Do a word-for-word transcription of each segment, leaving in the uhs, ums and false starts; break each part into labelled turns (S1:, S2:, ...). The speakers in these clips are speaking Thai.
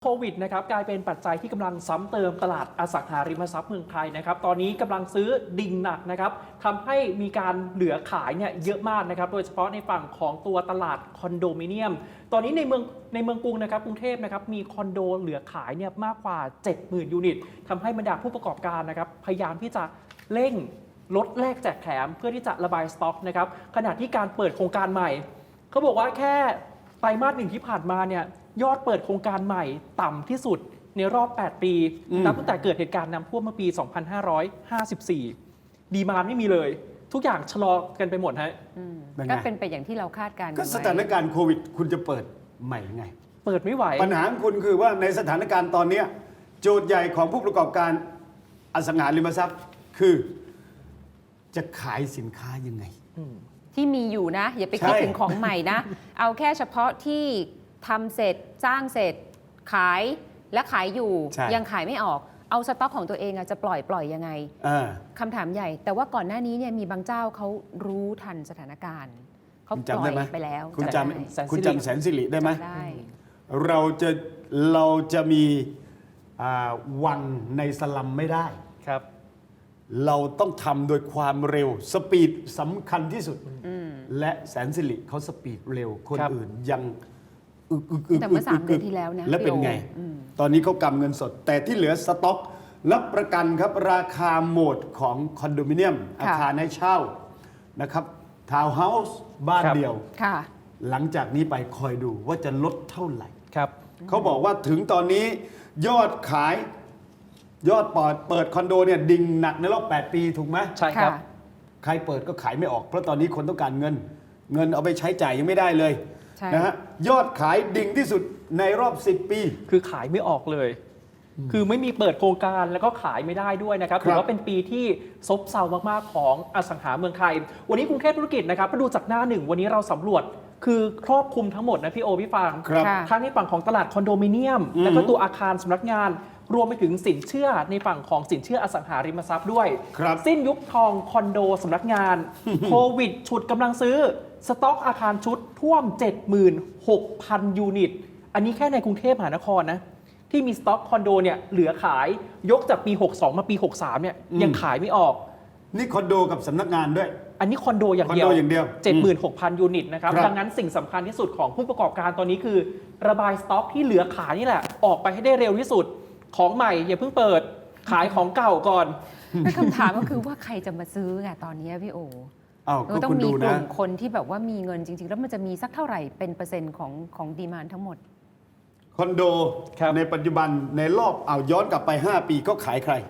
S1: วิดนะครับกลายเป็นปัจจัยที่กำลังซ้ำเติมตลาดอสังหาริมทรัพย์เมืองไทยนะครับตอนนี้กำลังซื้อดิ่งหนักนะครับทำให้มีการเหลือขายเนี่ยเยอะมากนะครับโดยเฉพาะในฝั่งของตัวตลาดคอนโดมิเนียมตอนนี้ในเมืองในเมืองกรุงนะครับกรุงเทพนะครับมีคอนโดเหลือขายเนี่ยมากกว่า เจ็ดหมื่น ยูนิตทำให้บรรดาผู้ประกอบการนะครับพยายามที่จะเร่งลดแลกแจกแถมเพื่อที่จะระบายสต็อกนะครับขณะที่การเปิดโครงการใหม่เขาบอกว่าแค่ไตรมาสหนึ่งที่ผ่านมาเนี่ยยอดเปิดโครงการใหม่ต่ำที่สุดในรอบ แปด ปีนับตั้งแต่เกิดเหตุการณ์น้ำท่วมเมื่อปี สองพันห้าร้อยห้าสิบสี่ ดีมานด์ไม่มีเลยทุกอย่างชะลอกันไปหมดฮะ
S2: ก็เป็นไปอย่างที่เราคาดการณ์ก็
S3: สถานการณ์โควิดคุณจะเปิดใหม่ไง
S1: เปิดไม่ไหว
S3: ปัญหาของคุณคือว่าในสถานการณ์ตอนนี้โจทย์ใหญ่ของผู้ประกอบการอสังหาริมทรัพย์คือจะขายสินค้ายังไง
S2: ที่มีอยู่นะอย่าไปคิดถึงของใหม่นะเอาแค่เฉพาะที่ทำเสร็จสร้างเสร็จขายและขายอยู่ยังขายไม่ออกเอาสต็อกของตัวเองจะปล่อยปล่อยยังไงคำถามใหญ่แต่ว่าก่อนหน้านี้เนี่ยมีบางเจ้าเขารู้ทันสถานการณ์เขาปล่อยไปแล้ว
S3: คุณจำคุณจำแสนสิริได้ไหม
S2: ได้
S3: เราจะเราจะมีวังในสลัมไม่ได้
S1: ครับ
S3: เราต้องทำโดยความเร็วสปีดสำคัญที่สุดและแสนสิริเขาสปีดเร็วคนอื่นยัง
S2: อึกอึกอึกแต่เมื่อสามเดือนที่แล้วนะ
S3: แล้วเป็นไงตอนนี้เขากำเงินสดแต่ที่เหลือสต็อกรับประกันครับราคาโหมดของคอนโดมิเนียมอาคารให้เช่านะครับทาวน์เฮาส์บ้านเดียวหลังจากนี้ไปคอยดูว่าจะลดเท่าไหร่
S1: ครับ
S3: เขาบอกว่าถึงตอนนี้ยอดขายยอดเปิดเปิดคอนโดเนี่ยดิ่งหนักในรอบแปดปีถูกไหม
S1: ใช่ครับ
S3: ใครเปิดก็ขายไม่ออกเพราะตอนนี้คนต้องการเงินเงินเอาไปใช้จ่ายยังไม่ได้เลยนะฮะยอดขายดิ่งที่สุดในรอบสิบปี
S1: คือขายไม่ออกเลยคือไม่มีเปิดโครงการแล้วก็ขายไม่ได้ด้วยนะครับถือว่าเป็นปีที่ซบเซามากๆของอสังหาเมืองไทยวันนี้กรุงเทพธุรกิจนะครับมาดูจากหน้าหนึ่งวันนี้เราสำรวจคือครอบคลุมทั้งหมดนะพี่โอพี่ฟางทั้งในฝั่งของตลาดคอนโดมิเนียมและก็ตัวอาคารสำนักงานรวมไปถึงสินเชื่อในฝั่งของสินเชื่ออสังหาริมทรัพย์ด้วยสิ้นยุคทองคอนโดสำนักงานโควิดฉุดกำลังซื้อสต็อกอาคารชุดท่วม เจ็ดหมื่นหกพัน ยูนิตอันนี้แค่ในกรุงเทพมหานครนะที่มีสต็อกคอนโดเนี่ยเหลือขายยกจากปีหกสองมาปีหกสามเนี่ยยังขายไม่ออก
S3: นี่คอนโดกับสำนักงานด้วย
S1: อันนี้คอนโดอย่างเดียว เจ็ดหมื่นหกพัน ยูนิตนะครับดังนั้นสิ่งสำคัญที่สุดของผู้ประกอบการตอนนี้คือระบายสต็อกที่เหลือขายนี่แหละออกไปให้ได้เร็วที่สุดของใหม่อย่าเพิ่งเปิดขายของเก่าก่อน
S2: แต่คำถามก็คือว่าใครจะมาซื้อไงตอนนี้พี่โอ
S3: ก็
S2: ต้องมีกลุ่มคนที่แบบว่ามีเงินจริงๆแล้วมันจะมีสักเท่าไหร่เป็นเปอร์เซ็นต์ของของดีมานด์ทั้งหมด
S3: คอนโดในปัจจุบันในรอบเอาย้อนกลับไปห้าปีก็ขายใคร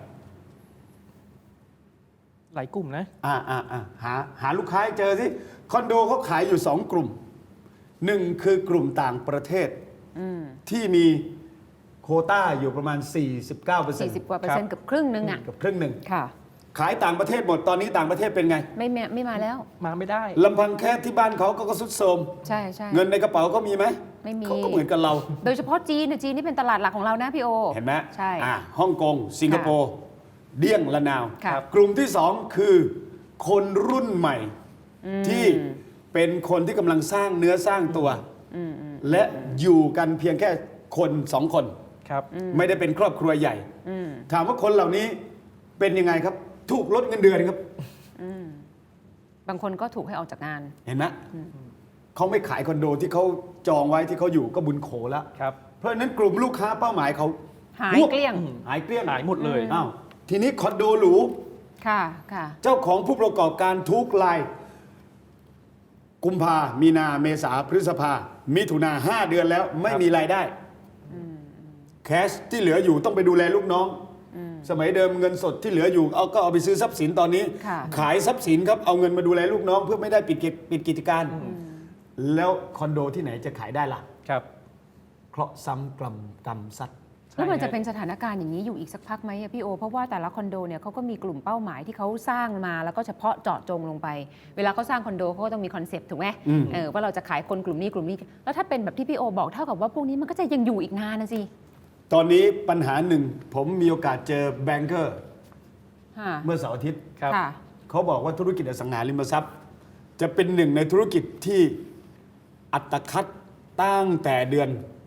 S1: หลายกลุ่มนะ
S3: อ่าอ่าอ่าหาหาลูกค้าเจอสิคอนโดเขาขายอยู่สองกลุ่มหนึ่งคือกลุ่มต่างประเทศที่มีโควต้าอยู่ประมาณ สี่สิบเก้าเปอร์เซ็นต์
S2: สี่สิบกว่าเปอร์เซ็นต์กับครึ่งนึงอ่ะ
S3: กับครึ่งหนึ่ง
S2: ค่ะ
S3: ขายต่างประเทศหมดตอนนี้ต่างประเทศเป็นไง
S2: ไม่ไม่มาแล้ว
S1: มาไม่ได้
S3: ลำพังแค่ที่บ้านเขาก็สุดโทรม
S2: ใช่ใช่
S3: เงินในกระเป๋าก็มีไหม
S2: ไม่มี
S3: เขาก็เหมือนกับเรา
S2: โดยเฉพาะจีนจีนนี่เป็นตลาดหลักของเรานะพี่โอ
S3: เห็นไหม
S2: ใช่
S3: ฮ่องกงสิงคโปร์เดี้ยงละนาวกลุ่มที่สองคือคนรุ่นใหม่ที่เป็นคนที่กำลังสร้างเนื้อสร้างตัวและอยู่กันเพียงแค่คนสองคนไม่ได้เป็นครอบครัวใหญ่ถามว่าคนเหล่านี้เป็นยังไงครับถูกลดเงินเดือนครับ
S2: บางคนก็ถูกให้ออกจากงาน
S3: เห็นไหมเขาไม่ขายคอนโดที่เขาจองไว้ที่เขาอยู่ก็บุญโขแล้วเพราะฉะนั้นกลุ่มลูกค้าเป้าหมายเขา
S2: หายเกลี้ยง
S3: หายเกลี้ยง
S1: หายหมดเลย
S3: อ้าวทีนี้คอนโดหรู
S2: ค่ะค่ะ
S3: เจ้าของผู้ประกอบการทุกรายกุมภามีนาเมษาพฤษภามิถุนาห้าเดือนแล้วไม่มีรายได้แคชที่เหลืออยู่ต้องไปดูแลลูกน้องสมัยเดิมเงินสดที่เหลืออยู่เอาก็เอาไปซื้อทรัพย์สินตอนนี้ขายทรัพย์สินครับเอาเงินมาดูแลลูกน้องเพื่อไม่ได้ปิดปิดกิจการแล้วคอนโดที่ไหนจะขายได้ล่ะ
S1: ครับ
S3: เคราะห์ซ้ำกรรมกรรมซัด
S2: แล้วมันจะเป็นสถานการณ์อย่างนี้อยู่อีกสักพักไหมพี่โอเพราะว่าแต่ละคอนโดเนี่ยเขาก็มีกลุ่มเป้าหมายที่เขาสร้างมาแล้วก็เฉพาะเจาะจงลงไปเวลาเขาสร้างคอนโดเขาก็ต้องมีคอนเซปต์ถูกไหมเออว่าเราจะขายคนกลุ่มนี้กลุ่มนี้แล้วถ้าเป็นแบบที่พี่โอบอกเท่ากับว่าพวกนี้มันก็จะยังอยู่อีกนานนะสิ
S3: ตอนนี้ปัญหาหนึ่งผมมีโอกาสเจอแบงเกอร์เมื่อเสาร์อาทิตย์เขาบอกว่าธุรกิจอสังหาริมทรัพย์จะเป็นหนึ่งในธุรกิจที่อัตคัดตั้งแต่เดือน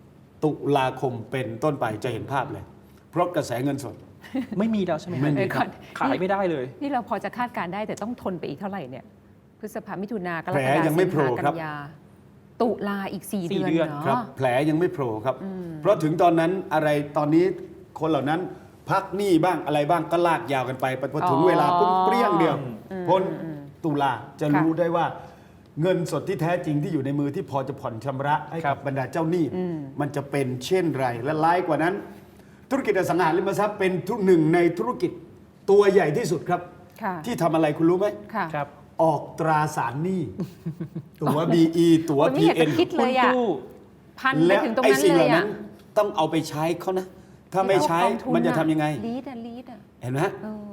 S3: ตุลาคมเป็นต้นไปจะเห็นภาพเลย เพราะกระแสเงินสด
S1: ไม่มีแล้วใช่ไหม
S3: ไม่มี
S2: เดี๋ยวก่อน
S1: ขายไม่ได้เลย
S2: นี่เราพอจะคาดการณ์ได้แต่ต้องทนไปอีกเท่าไหร่เนี่ยพฤษภามิถุนากร
S3: แผล
S2: กฎา
S3: ยังไม่
S2: สิง
S3: โผล่
S2: หา
S3: ครั
S2: กับ นยาตุลาอีก 4
S1: สี่
S2: เดือน
S1: เดือน
S2: เนาะ
S3: ครับแผลยังไม่โผล่ครับ เพราะถึงตอนนั้นอะไรตอนนี้คนเหล่านั้นพักหนี้บ้างอะไรบ้างก็ลากยาวกันไปพอถึงเวลาปุ๊บเปรี้ยงเดียวพ้นตุลาจะรู้ได้ว่าเงินสดที่แท้จริงที่อยู่ในมือที่พอจะผ่อนชำระให้
S1: ครั
S3: กับบ บรรดาเจ้าหนี้มันจะเป็นเช่นไรและร้ายกว่านั้น ธุรกิจอสังหาริมทรัพย์เป็นทุกหนึ่งในธุรกิจตัวใหญ่ที่สุดครับ
S2: ค่ะ
S3: ที่ทำอะไรคุณรู้ไหม
S2: ค่ะ
S1: ครับ
S3: ออกตราสารหนี้ ตัว บี อี ตัว
S2: คุณไม่อยาก
S3: พี
S2: จะ
S3: เอ็น
S2: คิดเลยอ่ะ
S1: หุ้นกู้
S2: พันไป
S3: แล้ว
S2: ถึงตรง
S3: ไอ้
S2: นั้น
S3: สิ่ง
S2: เล
S3: เหล่าย
S2: อ่ะ
S3: นั้นต้องเอาไปใช้เขานะ ถ้าไม่ใช้มันจะทำยังไง
S2: ลีดอ่ะลีดอ่ะ
S3: เห็นไหมฮะ
S2: เออก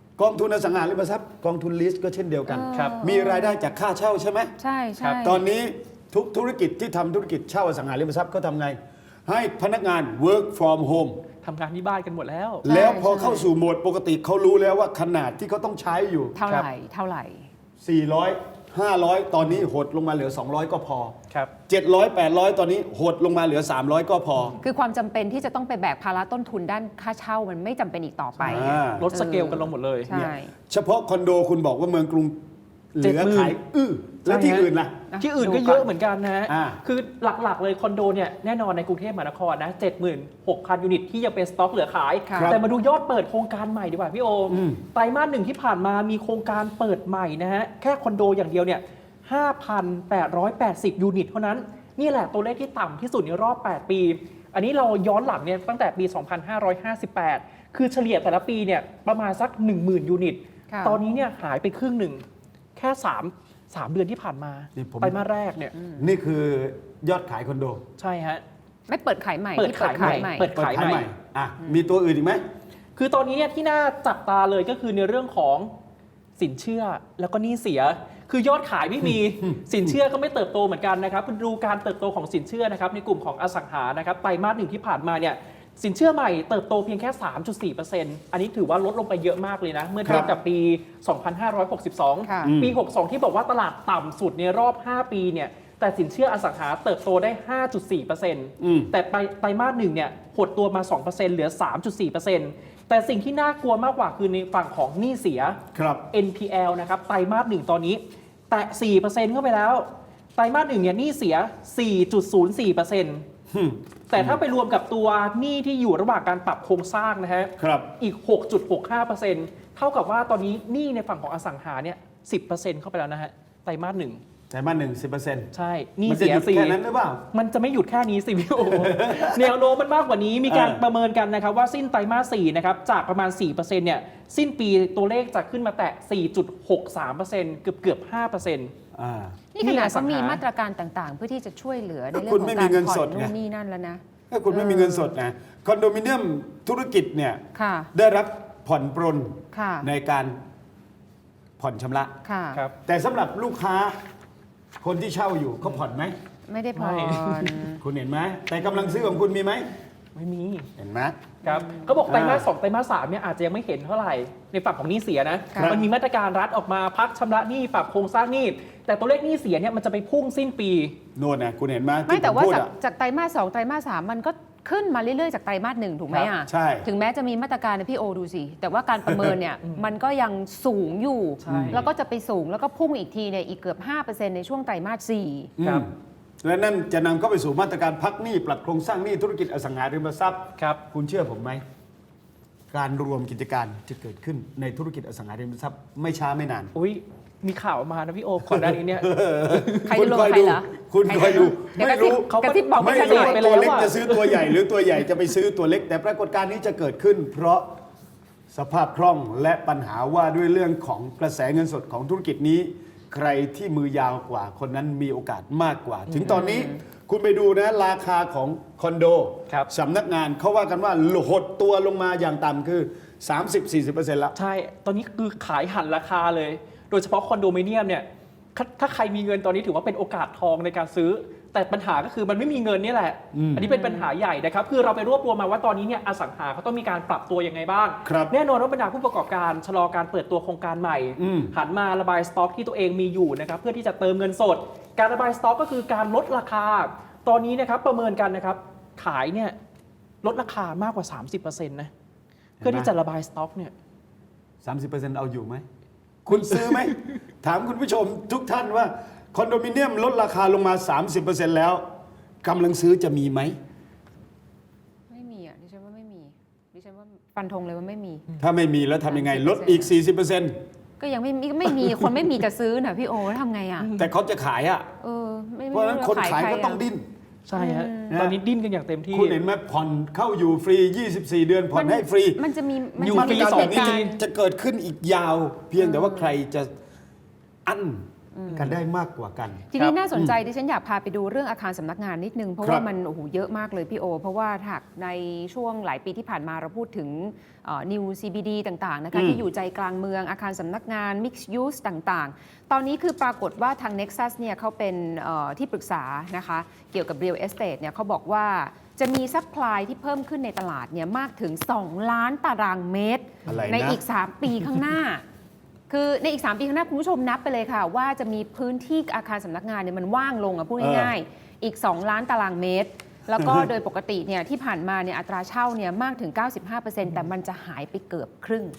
S3: องทุนอสังหาริมทรัพย์กองทุนลิสก็เช่นเดียวกัน
S1: ครับ
S3: มีรายได้จากค่าเช่าใช่ไหม
S2: ใช่
S1: ครั
S2: ใช่
S1: บ
S3: ตอนนี้ทุกธุรกิจที่ทำธุรกิจเช่าอสังหาริมทรัพย์เขาทำไง ให้พนักงาน work from home
S1: ทำงานที่บ้านกันหมดแล้ว
S3: แล้วพอเข้าสู่โหมดปกติเขารู้แล้วว่าขนาดที่เขาต้องใช้อยู่
S2: เท่าไหร่เท่าไหร่
S3: สี่ร้อย ห้าร้อย ตอนนี้หดลงมาเหลือ สองร้อย ก็พอ
S1: ครับ
S3: เจ็ดร้อย แปดร้อย ตอนนี้หดลงมาเหลือ สามร้อย ก็พอ
S2: คือความจำเป็นที่จะต้องไปแบกภาระต้นทุนด้านค่าเช่ามันไม่จำเป็นอีกต่อไป
S3: อ่า
S1: ลดสเกลกันลงหมดเลย
S2: ใช่
S3: เฉพาะคอนโดคุณบอกว่าเมืองกรุงเหลือ
S1: เจ็ดหมื่น
S3: ขายอื้อแล้วที่อื่นล่ะ
S2: อ่ะ
S1: ที่อื่น
S2: ดู
S1: ก็
S2: ก่อน
S1: เยอะเหมือนกันนะฮะ
S3: อ่า
S1: คือหลักๆเลยคอนโดเนี่ยแน่นอนในกรุงเทพมหานครนะ เจ็ดหมื่นหกพัน ยูนิตที่ยังเป็นสต็อกเหลือขาย
S2: ครับ
S1: แต่มาดูยอดเปิดโครงการใหม่ดีกว่าพี่โอมไตรมาสหนึ่งที่ผ่านมามีโครงการเปิดใหม่นะฮะ แค่คอนโดอย่างเดียวเนี่ย ห้าพันแปดร้อยแปดสิบ ยูนิตเท่านั้น นี่แหละตัวเลขที่ต่ำที่สุดในรอบ แปด ปี อันนี้เราย้อนหลังเนี่ยตั้งแต่ปี สองพันห้าร้อยห้าสิบแปด คือเฉลี่ยแต่ละปีเนี่ยประมาณสัก หนึ่งหมื่น ยูนิต
S2: ค่ะ
S1: ตอนนี้เนี่ยหายไปครึ่งหนึ่งแค่สาม สามเดือนที่ผ่านมา
S3: นี่ผม
S1: ไตรมาสแรกเนี่ย
S3: นี่คือยอดขายคอนโด
S1: ใช่ฮะ
S2: ไม่เปิดขายใหม่
S1: เปิด
S2: ที่เปิด
S1: ขาย
S2: ขาย
S1: ให
S2: ให
S1: ม่
S2: ม่
S1: เปิด
S3: เปิด
S1: ขาย
S3: ขาย
S1: ให
S3: ให
S1: ม่
S3: ม่อ่ะมีตัวอื่นอีกไหม
S1: คือตอนนี้เนี่ยที่น่าจับตาเลยก็คือในเรื่องของสินเชื่อแล้วก็หนี้เสีย คือยอดขายไม่มี สินเชื่อก็ไม่เติบโตเหมือนกันนะครับคุณดูการเติบโตของสินเชื่อนะครับในกลุ่มของอสังหานะครับไตรมาสหนึ่งที่ผ่านมาเนี่ยสินเชื่อใหม่เติบโตเพียงแค่ สามจุดสี่เปอร์เซ็นต์ อันนี้ถือว่าลดลงไปเยอะมากเลยนะ เมื่อเทียบกับปี สองพันห้าร้อยหกสิบสอง
S2: ค่ะ
S1: ปี หกสิบสอง ที่บอกว่าตลาดต่ำสุดในรอบ ห้า ปีเนี่ยแต่สินเชื่ออสังหาเติบโตได้ ห้าจุดสี่เปอร์เซ็นต์
S3: อืม
S1: แต่ไตรไตรมาสหนึ่งเนี่ยหดตัวมา สองเปอร์เซ็นต์ เหลือ สามจุดสี่เปอร์เซ็นต์ แต่สิ่งที่น่ากลัวมากกว่าคือในฝั่งของหนี้เสีย
S3: ครับ
S1: เอ็น พี แอล นะครับไตรมาสหนึ่งตอนนี้แตะ สี่เปอร์เซ็นต์ เข้าไปแล้ว ไตรมาสหนึ่งเนี่ยหนี้เสีย สี่จุดศูนย์สี่เปอร์เซ็นต์ แต่ถ้าไปรวมกับตัวหนี้ที่อยู่ระหว่างการปรับโครงสร้างนะฮะ
S3: ครับ
S1: อีก หกจุดหกห้าเปอร์เซ็นต์ เท่ากับว่าตอนนี้หนี้ในฝั่งของอสังหาเนี่ย สิบเปอร์เซ็นต์ เข้าไปแล้วนะฮะไตรมาสหนึ่ง
S3: ไตรมาสหนึ่งสิบเปอร์เซ็นต์
S1: ใช่หนี้
S3: มันจะ
S1: เสี
S3: ห
S1: ย
S3: ยุด
S1: สี่
S3: แค่นั้นหรือเปล่า
S1: มันจะไม่หยุดแค่นี้สิพี่โอ แนวโน้มมันมากกว่านี้มีการ
S3: เออ
S1: ประเมินกันนะครับว่าสิ้นไตรมาสสี่นะครับจากประมาณ สี่เปอร์เซ็นต์ เนี่ยสิ้นปีตัวเลขจะขึ้นมาแตะ สี่จุดหกสามเปอร์เซ็นต์ เกือบเกือบๆ ห้าเปอร์เซ็นต์
S3: อ่า
S2: นี่ขนาด
S1: นี่อสั
S2: เขา
S1: งหามี
S2: มีมาตรการต่างๆ เพื่อที่จะช่วยเหลือใน
S3: ก็
S2: เรื่อ
S3: คุ
S2: ง
S3: ณ
S2: ของ
S3: ไม่
S2: กา
S3: มี
S2: ร
S3: เงิน
S2: ผ่อ
S3: ส
S2: น
S3: ด
S2: นู่
S3: ไง
S2: นนี่นั่นแล้วนะ
S3: ถ้าคุณไม่มีเงินสดนะคอนโดมิเนียมธุรกิจเนี่ย
S2: ค่ะ
S3: ได้รับผ่อนปรน
S2: ค่ะ
S3: ในการผ่อนชำระ
S2: ค่ะ
S1: ครับ
S3: แต่สำหรับลูกค้าคนที่เช่าอยู่เขาผ่อนไหม
S2: ไม่ได้ผ่อน
S3: คุณเห็นไหมแต่กำลังซื้อของคุณมีไหม
S1: ไม่มี
S3: เห็นไหม
S1: ครับก็บอกไตรมาส
S3: อ่า
S1: สองไตรมาสสามเนี่ยอาจจะยังไม่เห็นเท่าไหร่ในฝั่งของหนี้เสียนะ
S2: ครับ
S1: มันมีมาตรการรัฐออกมาพักชำระหนี้ปรับโครงสร้างหนี้แต่ตัวเลขหนี้เสียเนี่ยมันจะไปพุ่งสิ้นปี
S3: โน่นนะคุณเห็นไหม
S2: ไม่
S3: ที่
S2: แต่
S3: ผม
S2: ว่า
S3: พูด
S2: จาก
S3: อะ
S2: จากไตรมาสสองไตรมาสสามมันก็ขึ้นมาเรื่อยๆจากไตรมาสหนึ่งถูกไหม
S1: ครั
S2: อ่ะ
S1: บ
S3: ใช่
S2: ถึงแม้จะมีมาตรการนะพี่โอดูสิ แต่ว่าการประเมินเนี่ย มันก็ยังสูงอยู่
S1: ใช่
S2: แล้วก็จะไปสูงแล้วก็พุ่งอีกทีเนี่ยอีกเกือบ ห้าเปอร์เซ็นต์ ในช่วงไตรมาสสี่
S1: ครับ
S3: อืมและนั่นจะนำเข้าไปสู่มาตรการพักหนี้ปรับโครงสร้างหนี้ธุรกิจอสังหาริมทรัพย์
S1: ครับ
S3: คุณเชื่อผมไหม การรวมกิจการจะเกิดขึ้นในธุรกิจอสังหาริมทรัพย์ไม่ช้าไม่นาน
S1: อุ้ยมีข่าวมานะพี่โอก่อนหน้านี้เนี่ย
S2: ใคร
S3: คุ
S2: จะ
S3: ณ
S2: ลง
S3: คอย
S2: ใคร
S3: ดู
S2: เหรอ
S3: คุณ
S2: ใร
S3: คอยดู
S2: เดี๋ยว
S3: ไม่
S2: กระซิบ
S3: รู้
S1: เขา
S2: กระซิบบอก
S1: ไม่
S2: ไม่
S3: ไม่
S2: ข
S3: รู้
S2: นาด
S3: ว่า
S1: ไป
S3: ตัว
S1: แล้ว
S3: เล็ก
S1: อะ
S3: จะซื้อตัวใหญ่หรือตัวใหญ่จะไปซื้อตัวเล็ก แต่ปรากฏการณ์นี้จะเกิดขึ้น เพราะสภาพคล่องและปัญหาว่าด้วยเรื่องของกระแสเงินสดของธุรกิจนี้ ใครที่มือยาวกว่าคนนั้นมีโอกาสมากกว่า ถึงตอนนี้คุณไปดูนะราคาของคอนโด
S1: ครับ
S3: สำนักงานเขาว่ากันว่าหดตัวลงมาอย่างต่ำคือ สามสิบถึงสี่สิบเปอร์เซ็นต์ แล้ว
S1: ใช่ ตอนนี้คือขายหันราคาเลย โดยเฉพาะคอนโดมิเนียมเนี่ยถ้าถ้าใครมีเงินตอนนี้ถือว่าเป็นโอกาสทองในการซื้อ แต่ปัญหาก็คือมันไม่มีเงินนี่แหละ
S3: อืม
S1: อันนี้เป็นปัญหาใหญ่นะครับ คือเราไปรวบรวมมาว่าตอนนี้เนี่ยอสังหาเขาต้องมีการปรับตัวยังไงบ้าง
S3: ครับ
S1: แน่นอนว่าบรรดาผู้ประกอบการชะลอการเปิดตัวโครงการใหม่
S3: อืม
S1: หันมาระบายสต็อกที่ตัวเองมีอยู่นะครับเพื่อที่จะเติมเงินสด การระบายสต็อกก็คือการลดราคา ตอนนี้นะครับประเมินกันนะครับขขายเนี่ยลดราคามากกว่า สามสิบเปอร์เซ็นต์ นะ เพื่อที่จะระบายสต็อกเนี่ย
S3: สามสิบเปอร์เซ็นต์ เอาอยู่ไหม คุณซื้อไหม ถามคุณผู้ชมทุกท่านว่าคอนโดมิเนียมลดราคาลงมา สามสิบเปอร์เซ็นต์ แล้วกำลังซื้อจะมีไหม
S2: ไม่มีอ่ะดิฉันว่าไม่มีดิฉันว่าฟันธงเลยว่าไม่มี
S3: ถ้าไม่มีแล้วทำยังไง ลดอีก สี่สิบเปอร์เซ็นต์
S2: ก็ยังไม่มีไม่มีคนไม่มีจะซื้อน่ะพี่โอแล้วทำไงอ่ะ
S3: แต่เขาจะขายอ่ะ
S2: เออไม่
S3: เพราะฉะนั้นคนขาย
S2: ใร
S3: ก็ต้อง
S2: ะ
S3: ดิ้น
S1: ใช่ฮะ
S3: อืม
S1: ตอนนี้ดิ้นกันอย่างเต็มที่
S3: คุณเห็นไหมผ่อนเข้าอยู่ฟรี ยี่สิบสี่ เดือนผ่อนให้ฟรี
S2: มันจะมีมัน
S1: อยู่
S2: จะ
S1: ฟรี
S2: มี
S1: สอง
S2: เหตุ
S1: ปี
S2: การณ์
S3: จะเกิดขึ้นอีกยาว เพียงแต่ว่าใครจะอั้นกันได้มากกว่ากัน
S2: ทีนี้น่าสนใจดิฉันอยากพาไปดูเรื่องอาคารสำนักงานนิดนึง เพราะ
S3: ครับ
S2: ว่ามันโอ้โหเยอะมากเลยพี่โอ เพราะว่าหากในช่วงหลายปีที่ผ่านมาเราพูดถึงเอ่อ New ซี บี ดี ต่างๆนะคะ
S3: อืม
S2: ที่อยู่ใจกลางเมืองอาคารสำนักงาน Mixed Use ต่างๆ ตอนนี้คือปรากฏว่าทาง Nexus เนี่ยเขาเป็นเอ่อที่ปรึกษานะคะเกี่ยวกับ Real Estate เนี่ยเขาบอกว่าจะมีซัพพลายที่เพิ่มขึ้นในตลาดเนี่ยมากถึง สอง ล้านตารางเมตร
S3: อะไรนะ
S2: ในอีก สาม ปีข้างหน้า คือในอีก สาม ปีข้างหน้าคุณผู้ชมนับไปเลยค่ะ ว่าจะมีพื้นที่อาคารสำนักงานเนี่ยมันว่างลงอ่ะพูดง่ายๆอีก สอง ล้านตารางเมตร แล้วก็โดยปกติเนี่ยที่ผ่านมาเนี่ยอัตราเช่าเนี่ยมากถึง เก้าสิบห้าเปอร์เซ็นต์ แต่มันจะหายไปเกือบครึ่ง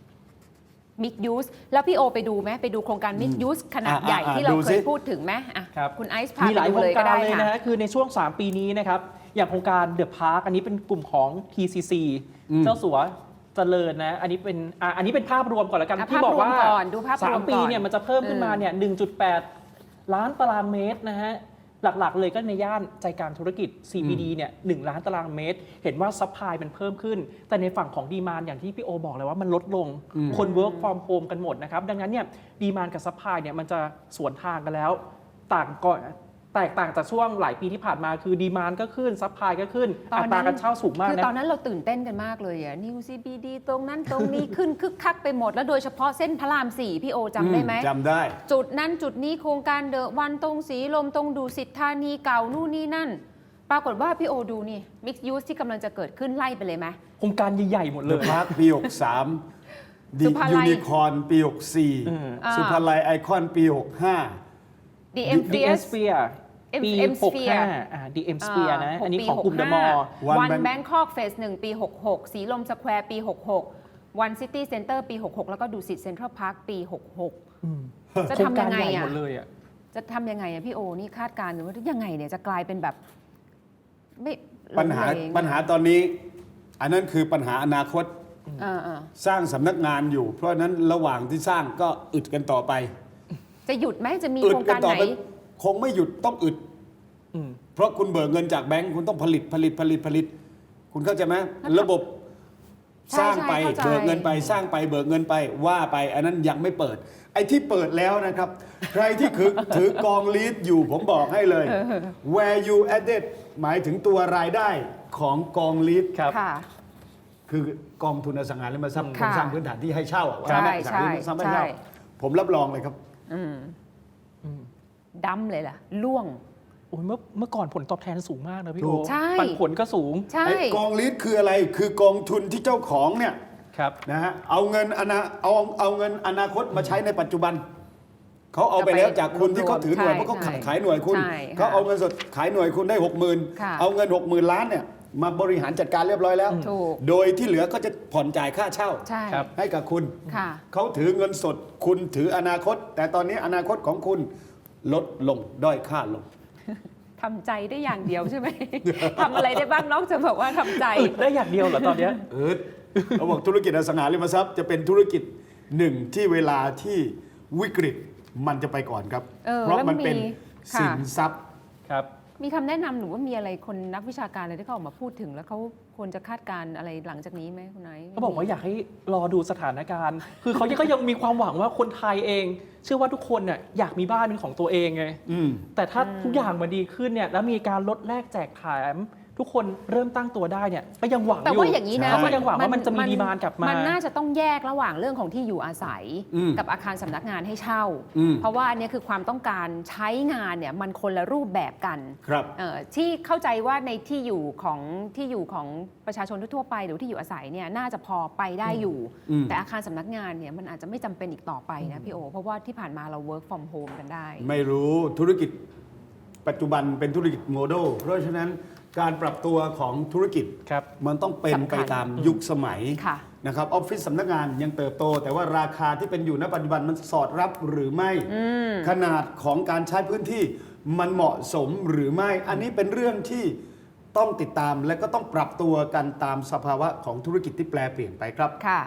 S2: Mixed Use แล้วพี่โอไปดูไหมไปดูโครงการ Mixed Use ขนาด
S3: อ่ะ
S2: ใหญ่
S3: อ่ะ
S2: ที่เรา
S3: ดู
S2: เค
S3: สิ
S2: ยพูดถึงไหมอ่ะ
S1: ครับ
S2: คุณไอซ์พา
S1: มีห
S2: ไป
S1: ลาย
S2: ดู
S1: โคร
S2: เล
S1: ง
S2: ยก็
S1: การ
S2: ได้
S1: เลย
S2: ค่ะ
S1: นะฮะคือในช่วง สาม ปีนี้นะครับ อย่างโครงการเดอะพาร์คอันนี้เป็นกลุ่มของ ที ซี ซี
S3: อืม
S1: เจ้าสัวเจริญนะ อันนี้เป็นอ่ะอันนี้เป็นภาพรวมก่อนละกัน
S2: อ่ะ
S1: ที่บอกว่า
S2: ภาพรวมก่อนดูภาพรวม
S1: สามปี
S2: ก่อน
S1: เนี่ยมันจะเพิ่มขึ้นมาเนี่ย หนึ่งจุดแปด ล้านตารางเมตรนะฮะ หลักๆ เลยก็ในย่านใจกลางธุรกิจ ซี บี ดี เนี่ยหนึ่งล้านตารางเมตร เห็นว่าซัพพลายมันเพิ่มขึ้น แต่ในฝั่งของดีมานอย่างที่พี่โอบอกเลยว่ามันลดลง คน work from home กันหมดนะครับ ดังนั้นเนี่ยดีมานกับซัพพลายเนี่ยมันจะสวนทางกันแล้ว ต่างก่อนแตกต่างจากช่วงหลายปีที่ผ่านมาคือดีมานก็ขึ้นซัพพลายก็ขึ้น
S2: ตอน
S1: อั
S2: นั้น
S1: ตราการเช่าสูงมาก
S2: คือ
S1: นะ
S2: ตอนนั้นเราตื่นเต้นกันมากเลยอะ New ซี บี ดี ตรงนั้นตรงนี้ ขึ้นคึกคักไปหมด แล้วโดยเฉพาะเส้นพระรามสี่พี่โอจำได้ไหม
S3: จำได้
S2: จุดนั้นจุดนี้โครงการเดอะวันตรงสีลมตรงดูสิทธานีเก่านู่นนี่นั่น ปรากฏว่าพี่โอดูนี่ Mixed Use ที่กำลังจะเกิดขึ้นไล่ไปเลยไหม
S1: โครงการใหญ่ๆหมดเล
S3: เดอะ
S1: ย
S3: พาร์คปี หกสาม ดิ
S2: สุภาลั
S3: ยู
S2: ย
S3: นิคอร์นปี หกสี่
S1: อืม
S2: อ่า
S3: สุภาลัยไอคอนปี หกห้า
S2: ดี เอ็ม
S1: ดี เอ็ม Sphere ปี
S2: เอ็ม
S1: หก
S2: Sphere
S1: ห้าอ่า ดี เอ็ม Sphere นะ อันนี้ของกลุ่มเดอะมอลล์
S3: One
S2: วัน
S3: Bank
S2: แบงคอกเฟสหนึ่งปี หกหก สีลมสแควร์ปี หกหก วันซิตี้เซ็นเตอร์ปี หกหก แล้วก็ดูสิตเซ็นทรัลพาร์คปี หกหก จะ
S1: โครง
S2: ทำ
S1: กา
S2: ยั
S1: รง
S2: ไง
S1: ใหญ่
S2: อ่ะ
S1: หมดเลยอ่ะ
S2: จะทำยังไงอะพี่โอ นี่คาดการณ์หรือว่ายังไงเนี่ยจะกลายเป็นแบบ ไม่
S3: ปัญหา
S2: ล้มเหลว
S3: ปัญหาตอนนี้ อันนั้นคือปัญหาอนาคต
S2: เออเออ
S3: สร้างสำนักงานอยู่ เพราะฉะนั้นระหว่างที่สร้างก็อึดกันต่อไป
S2: จะหยุดไหมจะมี
S3: อึ
S2: โค
S3: ด
S2: รง
S3: กั
S2: การ
S3: ต่อ
S2: ไหน
S3: ไปคงไม่หยุดต้องอึด
S1: อืม
S3: เพราะคุณเบิกเงินจากแบงก์คุณต้องผลิตผลิตผลิตผลิต คุณเข้าใจไหมระบบ
S2: ใช่
S3: สร้างไป
S2: ใช่เข้าใจ
S3: เบิกเงินไปสร้างไปเบิกเงินไปว่าไป อันนั้นยังไม่เปิด ไอ้ที่เปิดแล้วนะครับ ใครที่ถือ ถือกองลีดอยู่ผมบอกให้เลย where you added หมายถึงตัวรายได้ของกองลีด
S1: ครับ
S2: ค่ะ
S3: คือกองทุนอสังหาริมทรัพย์โคร
S2: ค่ะ
S3: งสร้างพื้นฐานที่ให้เช่าอะ
S2: ใช่
S3: ว่าอสังหาริมทรัพย์ให้เช่า
S2: ใช่
S3: ผมรับรองเลยครับ
S2: อืมดำเลยล่ะ ล่วง
S1: โอ้ยเมื่อเมื่อก่อนผลตอบแทนสูงมากนะพี่
S3: ถู
S1: โอก
S2: ใช่
S1: ปันผลก็สูง
S2: ใช่
S3: ไอ้กองลีดคืออะไร คือกองทุนที่เจ้าของเนี่ย
S1: ครับ
S3: นะฮะเอาเงินอนาเอาเอาเงินอนาคตมาใช้ในปัจจุบัน เขาเอาไปแล้วจากคุณที่เขาถือหน่วยเพราะเขาขายขายหน่วยคุณ
S2: ใช่ค่ะ
S3: เขาเอาเงินสดขายหน่วยคุณได้หกหมื่น
S2: ค่ะ
S3: เอาเงินหกหมื่นล้านเนี่ยมาบริหารจัดการเรียบร้อยแล้ว
S2: ถูก
S3: โดยที่เหลือก็จะผ่อนจ่ายค่าเช่า
S2: ใช่
S1: ครับ
S3: ให้กับคุณ
S2: ค่ะ
S3: เขาถือเงินสดคุณถืออนาคต แต่ตอนนี้อนาคตของคุณลดลงด้อยค่าลง
S2: ทำใจได้อย่างเดียวใช่ไหม ทำอะไรได้บ้างนอกจากแบบว่าทำใจ
S1: อึดได้อย่างเดียวเหรอตอนเนี้ย
S3: เออเขาบอกธุรกิจอสังหาริมทรัพย์จะเป็นธุรกิจหนึ่งที่เวลาที่วิกฤตมันจะไปก่อนครับ
S2: เออ
S3: เพราะ
S2: แล้วมั
S3: มัน นเป็น
S2: มีค่ะ
S3: สินทรัพย์
S1: ครับ
S2: มีคำแนะนำหรือว่ามีอะไรคนนักวิชาการอะไรที่เขาออกมาพูดถึง แล้วเขาควรจะคาดการณ์อะไรหลังจากนี้ไหมคุณไนท์
S1: เขาบอกว่าอยากให้รอดูสถานการณ์ คือเขาก็ยังมีความหวังว่าคนไทยเอง เชื่อว่าทุกคนเนี่ยอยากมีบ้านเป็นของตัวเองไง
S3: อืม
S1: แต่ถ้าทุกอย่างมันดีขึ้นเนี่ยแล้วมีการลดแลกแจกแถมทุกคนเริ่มตั้งตัวได้เนี่ยก็ยังหวังอยู่
S2: แต่ว่าอย่างนี้นะ
S1: เขาก็ยังหวังว่ามันจะมีดีมานกลับมา
S2: มันน่าจะต้องแยกระหว่างเรื่องของที่อยู่อาศัย
S3: อืม
S2: กับอาคารสำนักงานให้เช่า
S3: อืม
S2: เพราะว่าอันเนี้ยคือความต้องการใช้งานเนี่ยมันคนละรูปแบบกัน
S3: ครับ
S2: เอ่อที่เข้าใจว่าในที่อยู่ของที่อยู่ของประชาชนทั่วๆไปหรือที่อยู่อาศัยเนี่ยน่าจะพอไปได้อยู่
S3: อืม
S2: แต่อาคารสำนักงานเนี่ยมันอาจจะไม่จำเป็นอีกต่อไปนะพี่โอ เพราะว่าที่ผ่านมาเรา work from home กันได้
S3: ไม่รู้ธุรกิจปัจจุบันเป็นธุรกิจโมเดลเพราะฉะนั้นการปรับตัวของธุรกิจ
S1: ครับ
S3: มันต้องเป็น
S2: สำคัญ
S3: ไปตามยุคสมัย
S2: ค่ะ
S3: นะครับออฟฟิศสำนักงานยังเติบโต แต่ว่าราคาที่เป็นอยู่ณปัจจุบันมันสอดรับหรือไม่ ขนาดของการใช้พื้นที่มันเหมาะสมหรือไม่ อันนี้เป็นเรื่องที่ต้องติดตามและก็ต้องปรับตัวกันตามสภาวะของธุรกิจที่แปลเปลี่ยนไปครับ
S2: ค่ะ